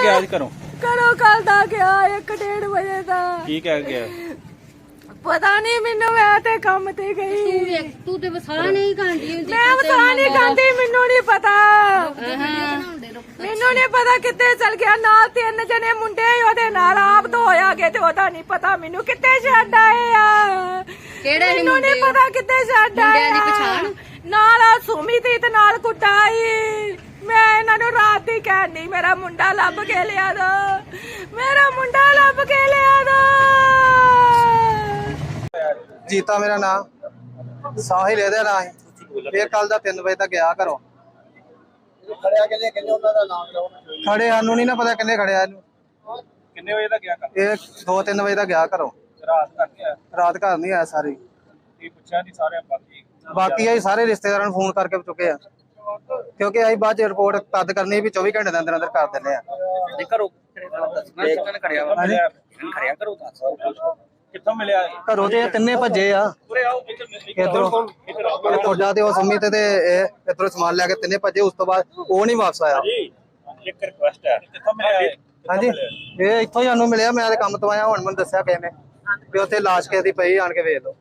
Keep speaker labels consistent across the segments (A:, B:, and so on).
A: ਗਿਆ ਅੱਜ ਘਰੋਂ?
B: ਘਰੋਂ ਕੱਲ ਦਾ ਗਿਆ 1:30 ਵਜੇ ਦਾ।
A: ਕੀ ਕਹਿ ਗਿਆ?
B: ਪਤਾ ਨਹੀਂ ਮੈਨੂੰ, ਮੈਂ ਤੇ ਕੰਮ ਤੇ ਗਈ।
C: ਤੂੰ ਤੇ ਵਸਾ ਨਹੀਂ ਖਾਂਦੀ ਹੁੰਦੀ।
B: ਮੈਂ ਵਸਾ ਨਹੀਂ ਖਾਂਦੀ, ਮੈਨੂੰ ਨਹੀਂ ਪਤਾ। ਮੈਨੂੰ ਨਹੀਂ ਪਤਾ ਕਿੱਥੇ ਚਲ ਗਿਆ। ਨਾਲ 3 ਜਣੇ ਮੁੰਡੇ ਉਹਦੇ ਨਾਲ ਆਪ ਤੋਂ ਹੋਇਆ ਗਏ ਤੇ ਉਹਦਾ ਨਹੀਂ ਪਤਾ ਮੈਨੂੰ ਕਿੱਥੇ ਛੱਡ ਆਏ ਆ।
C: ਕਿਹੜੇ
B: ਮੈਨੂੰ ਨਹੀਂ ਪਤਾ ਕਿੱਥੇ ਛੱਡ ਆਏ
C: ਮੁੰਡਿਆਂ ਦੀ ਪਛਾਣ?
B: ਨਾਲ ਆ ਸੁਮੀ ਤੇ ਨਾਲ ਕੁੱਟਾਈ। ਮੈਂ ਇਹਨਾਂ ਨੂੰ ਰਾਤ ਦੀ ਕਹਿਣੀ ਮੇਰਾ ਮੁੰਡਾ ਲੱਭ ਕੇ ਲਿਆ ਦੋ, ਮੇਰਾ ਮੁੰਡਾ ਲੱਭ ਕੇ ਲਿਆ ਦੋ।
D: ਜੀਤਾ ਮੇਰਾ ਨਾਮ, ਸਾਹਿਲ ਇਹਦਾ ਨਾਂ ਹੈ। ਫੇਰ ਕੱਲ ਦਾ 3 ਵਜੇ ਤੱਕ ਗਿਆ ਘਰੋਂ।
E: ਖੜਿਆ ਕਿੰਨੇ ਉਹਨਾਂ ਦਾ ਨਾਮ ਲਓ।
D: ਖੜੇ ਸਾਨੂੰ ਨਹੀਂ ਨਾ ਪਤਾ ਕਿੰਨੇ ਖੜਿਆ ਇਹਨੂੰ।
A: ਕਿੰਨੇ ਵਜੇ ਦਾ ਗਿਆ ਘਰ?
D: ਇਹ 2-3 ਵਜੇ ਤੱਕ ਗਿਆ ਘਰੋਂ।
A: ਰਾਤ ਕਰਕੇ ਆਇਆ?
D: ਰਾਤ ਘਰ ਨਹੀਂ ਆਇਆ ਸਾਰੀ।
A: ਕੀ ਪੁੱਛਿਆ ਨਹੀਂ ਸਾਰੇ
D: ਬਾਕੀ ਅਸੀਂ ਸਾਰੇ ਰਿਸ਼ਤੇਦਾਰਾਂ ਨੂੰ ਫੋਨ ਕਰਕੇ ਚੁੱਕੇ ਆ, ਕਿਉਂਕਿ ਅਸੀਂ ਬਾਅਦ ਚ ਰਿਪੋਰਟ ਤਦ ਕਰਨੀ ਵੀ 24 ਘੰਟੇ ਦੇ ਅੰਦਰ ਅੰਦਰ ਕਰ ਦਿੰਦੇ ਆ।
A: ਘਰੋਂ ਖੜਿਆ ਘਰੋਂ ਦੱਸ ਕਿੱਥੋਂ ਮਿਲਿਆ?
D: ਘਰੋਂ ਤੇ ਇਹ ਤਿੰਨੇ ਭੱਜੇ ਆ। ਇਧਰੋਂ ਤੁਹਾਡਾ ਤੇ ਉਹ ਸੰਮੀ ਤੇ ਇਹ ਇਧਰੋਂ ਸਮਾਨ ਲੈ ਕੇ ਤਿੰਨੇ ਭੱਜੇ। ਉਸ ਤੋਂ ਬਾਅਦ ਉਹ ਨਹੀਂ ਵਾਪਸ ਆਇਆ।
A: ਇੱਕ ਰਿਕੁਐਸਟ ਹੈ, ਕਿੱਥੋਂ ਮਿਲਿਆ?
D: ਹਾਂਜੀ, ਇਹ ਇੱਥੋਂ ਹੀ ਸਾਨੂੰ ਮਿਲਿਆ। ਮੈਂ ਤੇ ਕੰਮ ਤੋਂ ਆਇਆ, ਹੁਣ ਮੈਨੂੰ ਦੱਸਿਆ ਕਿਸੇ ਨੇ ਵੀ ਉੱਥੇ ਲਾਸ਼ ਕਿਸੇ ਦੀ ਪਈ, ਆਣ ਕੇ ਵੇਖ ਲਓ।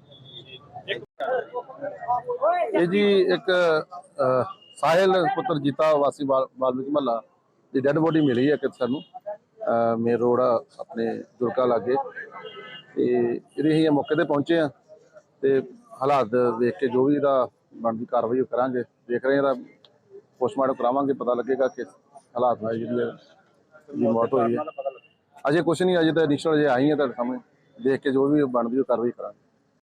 F: ਇਹ ਜੀ ਇੱਕ ਸਾਹਿਲ ਪੁੱਤਰ ਜੀਤਾ ਵਾਸੀ ਵਾਲਮੀਕ ਮਹੱਲਾ ਦੀ ਡੈੱਡ ਬੋਡੀ ਮਿਲੀ ਹੈ ਕਿ ਸਾਨੂੰ ਮੇਨ ਰੋਡ ਆਪਣੇ ਦੁਰਗਾ ਲਾਗੇ। ਤੇ ਇਹਦੇ ਅਸੀਂ ਮੌਕੇ ਤੇ ਪਹੁੰਚੇ ਆ ਤੇ ਹਾਲਾਤ ਦੇਖ ਕੇ ਜੋ ਵੀ ਇਹਦਾ ਬਣਦੀ ਕਾਰਵਾਈ ਉਹ ਕਰਾਂਗੇ। ਦੇਖ ਰਹੇ ਇਹਦਾ ਪੋਸਟਮਾਰਟਮ ਕਰਾਵਾਂਗੇ, ਪਤਾ ਲੱਗੇਗਾ ਕਿ ਹਾਲਾਤ ਨਾਲ ਜਿਹੜੀ ਮੌਤ ਹੋਈ ਹੈ। ਅਜੇ ਕੁਛ ਨਹੀਂ, ਅਜੇ ਤਾਂ ਇਨੀਸ਼ੀਅਲ ਅਜੇ ਆਈ ਹੈ ਤੁਹਾਡੇ ਸਾਹਮਣੇ। ਦੇਖ ਕੇ ਜੋ ਵੀ ਬਣਦੀ ਉਹ ਕਾਰਵਾਈ ਕਰਾਂਗੇ।